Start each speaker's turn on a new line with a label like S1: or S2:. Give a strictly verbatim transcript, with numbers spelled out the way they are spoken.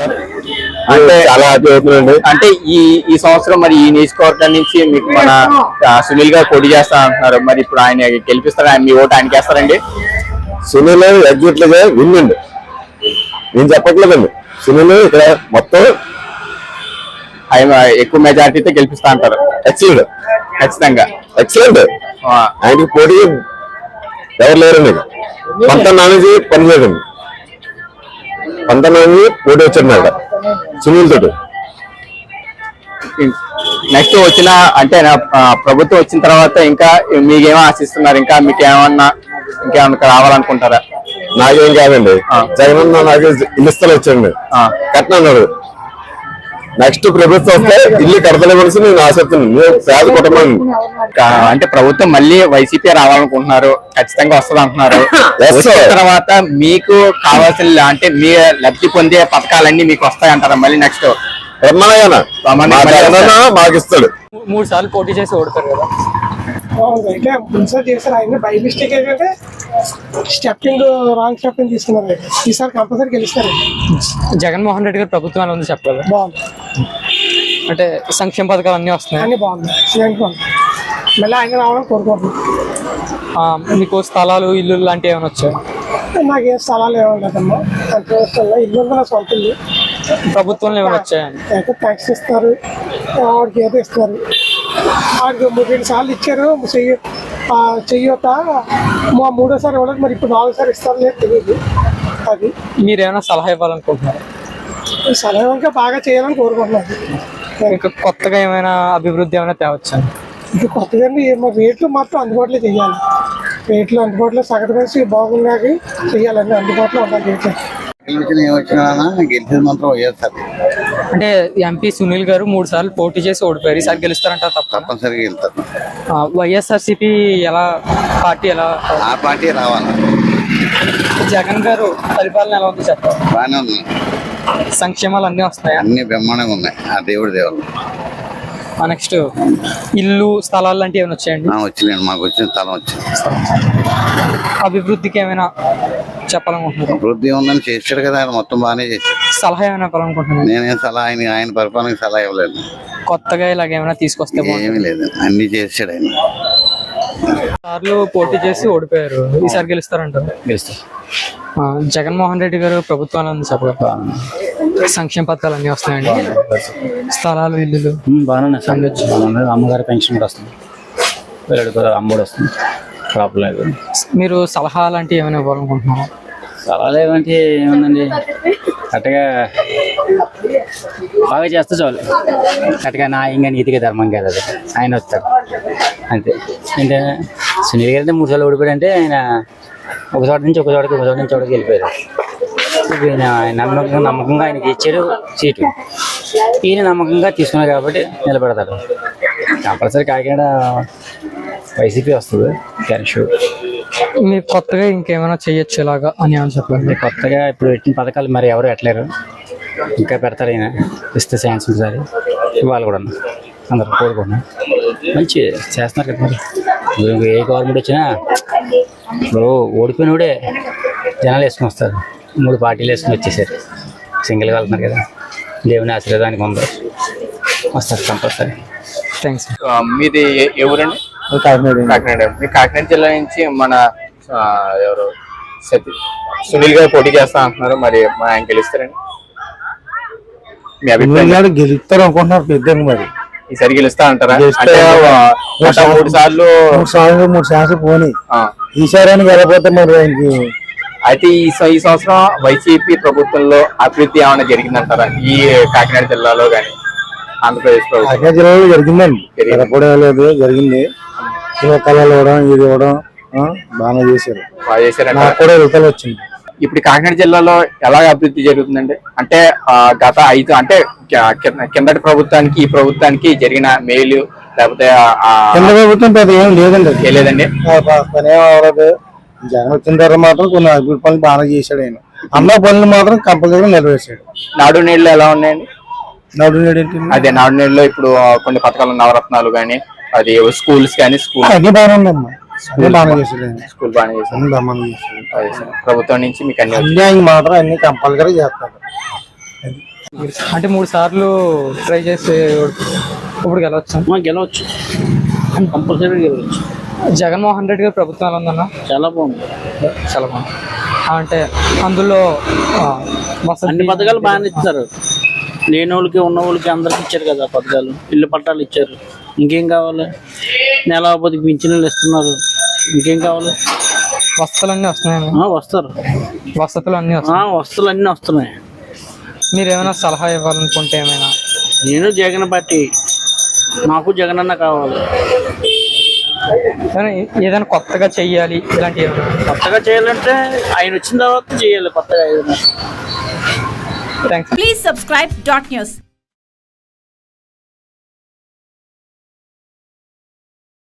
S1: అంటే చాలా హ్యాపీ అవుతుందండి. అంటే ఈ ఈ సంవత్సరం మరి ఈ నియోజకవర్గం నుంచి మీకు మన సునీల్ గారు పోటీ చేస్తా అంటున్నారు. మరి ఇప్పుడు ఆయన గెలిపిస్తారా? మీ ఓటు ఆయనకి వేస్తారండి?
S2: సునీల్ ఎగ్జిట్ గా విన్ అండి, నేను చెప్పట్లేదండి. సునీల్ ఇక్కడ మొత్తం
S1: ఆయన ఎక్కువ మెజారిటీతో గెలిపిస్తా అంటారు.
S2: ఎక్సలెంట్,
S1: ఖచ్చితంగా
S2: ఎక్సలెంట్. ఆయనకి పోటీ ఎవరు లేరండి. పంత నానేజీ పనిచేయదండి, పంత నానేజీ పోటీ వచ్చాడు సునీల్ తోటి.
S1: నెక్స్ట్ వచ్చిన అంటే ప్రభుత్వం వచ్చిన తర్వాత ఇంకా మీకేమో ఆశిస్తున్నారు? ఇంకా మీకు ఏమన్నా ఇంకేమన్నా రావాలనుకుంటారా?
S2: నాకేం కాదండి, జగన్ నాకు ఇల్లు స్థలం వచ్చండి కట్టినాడు. నెక్స్ట్ ప్రభుత్వం వస్తే ఇల్లు కడతలేమని నేను ఆశిస్తున్నాను. పేద కుటుంబం
S1: అంటే ప్రభుత్వం మళ్ళీ వైసీపీ రావాలనుకుంటున్నారు, ఖచ్చితంగా వస్తుంది అంటున్నారు. వచ్చిన తర్వాత మీకు కావాల్సిన అంటే మీ లబ్ధి పొందే పథకాలన్నీ మీకు వస్తాయంటారా మళ్ళీ నెక్స్ట్?
S2: మాకు ఇస్తాడు.
S3: మూడు సార్లు పోటీ చేసి ఓడతారు కదా.
S4: అయితే ముందుసారి చేశారు, ఆయన బై మిస్టేక్ ఏంటంటే స్టెప్పింగ్ రాంగ్ స్టెప్పింగ్ తీసుకున్నారు. ఈసారి కంపల్సరీ గెలుస్తారు.
S3: జగన్మోహన్ రెడ్డి గారి ప్రభుత్వం ఎలా ఉంది చెప్పగలరా?
S4: బాగుంది,
S3: అంటే సంక్షేమ పథకాలు అన్నీ వస్తున్నాయి,
S4: అన్ని బాగుంది. మళ్ళీ ఆయన రావాలని కోరుకుంటున్నాం.
S3: మీకు స్థలాలు ఇల్లు లాంటివి ఏమైనా వచ్చాయి?
S4: నాకేం స్థలాలు ఏమన్నా అంతే ఇల్లు ఉంది, నా సొంత ఇల్లు.
S3: ప్రభుత్వంలో ఏమైనా వచ్చాయండి?
S4: అయితే ట్యాక్స్ ఇస్తారు, వాడికి ఏదో ఇస్తారు. వాడికి మూడు రెండు సార్లు ఇచ్చారు చెయ్యి చెయ్యొత మా మూడోసారి ఇవ్వలేదు, మరి ఇప్పుడు నాలుగోసారి ఇస్తారు లేదు తెలియదు. అది
S3: మీరు ఏమైనా సలహా ఇవ్వాలనుకుంటున్నారు?
S4: సలహా ఇంకా బాగా చేయాలని కోరుకుంటున్నారు.
S3: ఇంకా కొత్తగా ఏమైనా అభివృద్ధి ఏమైనా తేవచ్చా?
S4: ఇంకా కొత్తగా రేట్లు మాత్రం అందుబాటులో చేయాలి. రేట్లు అందుబాటులో సగటు కలిసి బాగున్నాకి చేయాలండి, అందుబాటులో ఉండాలి రేట్లు.
S5: గెలిచేది మాత్రం వైఎస్ఆర్.
S3: అంటే ఎంపీ సునీల్ గారు మూడు సార్లు పోటీ చేసి ఓడిపోయారు, ఈసారి గెలుస్తారంట?
S5: తప్పనిసరిగా గెలుస్తారు.
S3: వైఎస్ఆర్సీపీ ఎలా పార్టీ ఎలా
S5: ఆ పార్టీ రావాలి.
S3: జగన్ గారు పరిపాలన ఎలా ఉంది చెప్పండి?
S5: బాగానే ఉంది,
S3: సంక్షేమాలు అన్నీ వస్తాయి,
S5: అన్ని బ్రహ్మాండంగా ఉన్నాయి. ఆ దేవుడి దేవుడు.
S3: నెక్స్ట్ ఇల్లు స్థలాలు లాంటివి ఏమైనా వచ్చాయండి?
S5: వచ్చినాయండి, మాకు వచ్చిన స్థలం వచ్చింది.
S3: అభివృద్ధికి ఏమైనా చెప్పాలనుకుంటున్నారు?
S5: అభివృద్ధి ఉందని చేసాడు కదా ఆయన, మొత్తం బాగానే చేశాడు.
S3: సలహా ఏమైనా ఇవ్వాలనుకుంటున్నారు?
S5: నేనేం సలహా ఆయన ఆయన పరిపాలనకి సలహా ఇవ్వలేదు.
S3: కొత్తగా ఇలాగ ఏమైనా తీసుకొస్తే?
S5: ఏమీ లేదు, అన్ని చేసాడు ఆయన.
S3: సార్లు పోటీ చేసి ఓడిపోయారు, ఈసారి గెలుస్తారంటారు?
S1: గెలుస్తారు.
S3: జగన్మోహన్ రెడ్డి గారు ప్రభుత్వాలు ఉంది చెప్పగలరా? సంక్షేమ పథకాలు అన్నీ వస్తున్నాయండి, స్థలాలు ఇల్లులు
S1: బాగానే అమ్మగారి పెన్షన్ కూడా వస్తుంది, అమ్మఒడి వస్తుంది, ప్రాబ్లం లేదు.
S3: మీరు సలహా లాంటివి ఏమైనా ఇవ్వాలనుకుంటున్నారు?
S1: సలహాలు ఏమంటే ఏముందండి, కరెక్ట్గా బాగా చేస్తే చాలు. కరెక్ట్గా న్యాయంగా నీతిగా ధర్మం కాదు అది, ఆయన వస్తాడు అంతే. అంటే సునీల్ గారు అంటే మూడు సార్లు ఓడిపోయాడు అంటే ఆయన ఒక చోట నుంచి ఒక చోటకి ఒక చోట నుంచి చోటకి వెళ్ళిపోయారు. ఈయన నమ్మకంగా నమ్మకంగా ఆయనకి ఇచ్చారు సీటు, ఈయన నమ్మకంగా తీసుకున్నారు కాబట్టి నిలబెడతాడు. కంపల్సరీ కాకినాడ వైసీపీ వస్తుంది క్యాష్.
S3: మీరు కొత్తగా ఇంకేమైనా చెయ్యొచ్చు ఇలాగా అని అని చెప్పండి.
S1: కొత్తగా ఇప్పుడు పెట్టిన పథకాలు మరి ఎవరు పెట్టలేరు, ఇంకా పెడతారు. ఈయన ఇస్తే ఛాన్స్ ఒకసారి వాళ్ళు కూడా అందరు కోరుకున్నాను, మంచి చేస్తున్నారు కదా. మరి ఏ గవర్నమెంట్ వచ్చినా ఇప్పుడు ఓడిపోయినోడే జనాలు వేసుకుని వస్తారు, మూడు పార్టీలు వేసుకుని వచ్చేసారు, సింగిల్గా వెళ్తున్నారు కదా. దేవుని ఆశీర్వాదానికి ఉందో వస్తారు కంపల్సరీ.
S3: థ్యాంక్స్.
S1: మీది ఎవరండి?
S3: కాకినాడ.
S1: కాకినాడ. మీ కాకినాడ జిల్లా నుంచి మన ఎవరు సతీ సునీల్ గారు పోటీ చేస్తా అంటున్నారు, మరి ఆయన గెలుస్తారండి? మీ అభిప్రాయం?
S2: గెలుస్తారు అనుకుంటున్నారు పెద్ద, మరి
S1: ఈసారి గెలుస్తా అంటారా? మూడు సార్లు
S2: మూడు సార్లు మూడు సార్లు పోనీ ఈసారి అని గెలపోతే మరి ఆయనకి.
S1: అయితే ఈ ఈ సంవత్సరం వైసీపీ ప్రభుత్వంలో అభివృద్ధి ఏమైనా జరిగిందంటారా ఈ కాకినాడ జిల్లాలో కానీ ఆంధ్రప్రదేశ్ ప్రభుత్వం?
S2: కాకినాడ జిల్లాలో జరిగిందండి, జరగకపోవడం లేదు, జరిగింది. కళలు ఇవ్వడం ఇది ఇవ్వడం బాగా చేశారు,
S1: బాగా చేశారు.
S2: నాకు కూడా రిజల్ట్ వచ్చింది.
S1: ఇప్పుడు కాకినాడ జిల్లాలో ఎలా అభివృద్ధి జరుగుతుందండి? అంటే గత ఐదు అంటే కిందటి ప్రభుత్వానికి ఈ ప్రభుత్వానికి జరిగిన మేలు లేకపోతే
S2: కింద ప్రభుత్వం పెద్ద ఏం లేదండి,
S1: లేదండి
S2: పని ఏం అవ్వలేదు. జగన్ వచ్చిన తర్వాత మాత్రం కొన్ని అభివృద్ధి పనులు బాగా చేశాడు ఆయన, అన్న పనులు మాత్రం కంపల్సరీగా నెరవేర్చాడు.
S1: నాడు నేడులో ఎలా ఉన్నాయండి?
S2: నాడు నేడు ఏంటి?
S1: అదే నాడు నేడులో ఇప్పుడు కొన్ని పథకాలు నవరత్నాలు కానీ అది స్కూల్స్ కానీ స్కూల్
S2: అన్ని బాగానే ఉందమ్మా, బాగా చేశాడు,
S1: స్కూల్ బాగా చేశాడు. ప్రభుత్వం నుంచి మీకు అన్ని
S2: మాత్రం అన్ని కంపల్సరీ చేస్తారు.
S3: అంటే మూడు సార్లు ట్రై చేసి ఇప్పుడు గెలవచ్చు.
S6: గెలవచ్చు, కంపల్సరీ గెలవచ్చు.
S3: జగన్మోహన్ రెడ్డి గారు ప్రభుత్వం ఎలా ఉందన్న?
S6: చాలా బాగుంది,
S3: చాలా బాగుంది. అంటే అందులో ఆ, వసతి
S6: అన్ని పథకాలు బాగానే ఇస్తారు. లేని వాళ్ళకి ఉన్న వాళ్ళకి అందరికి ఇచ్చారు కదా పథకాలు. ఇల్లు పట్టాలు ఇచ్చారు. ఇంకేం కావాలి? నెల పది పింఛన్లు ఇస్తున్నారు. ఇంకేం కావాలి?
S3: వసతులు అన్నీ వస్తున్నాయి.
S6: ఆ, వస్తారు.
S3: వసతులు అన్నీ
S6: ఆ,
S3: వస్తున్నాయి.
S6: వస్తువులు అన్నీ వస్తున్నాయి.
S3: మీరు ఏమైనా సలహా ఇవ్వాలనుకుంటే ఏమైనా?
S6: నేను జగన్ పార్టీ, నాకు జగన్ అన్న కావాలి.
S3: ఏమైనా ఏదైనా కొత్తగా చెయ్యాలి ఇలాంటివి ఏమైనా?
S6: కొత్తగా చేయాలంటే ఆయన వచ్చిన తర్వాత చేయాలి కొత్తగా ఏదైనా.
S3: Thanks.
S7: Please subscribe dot news.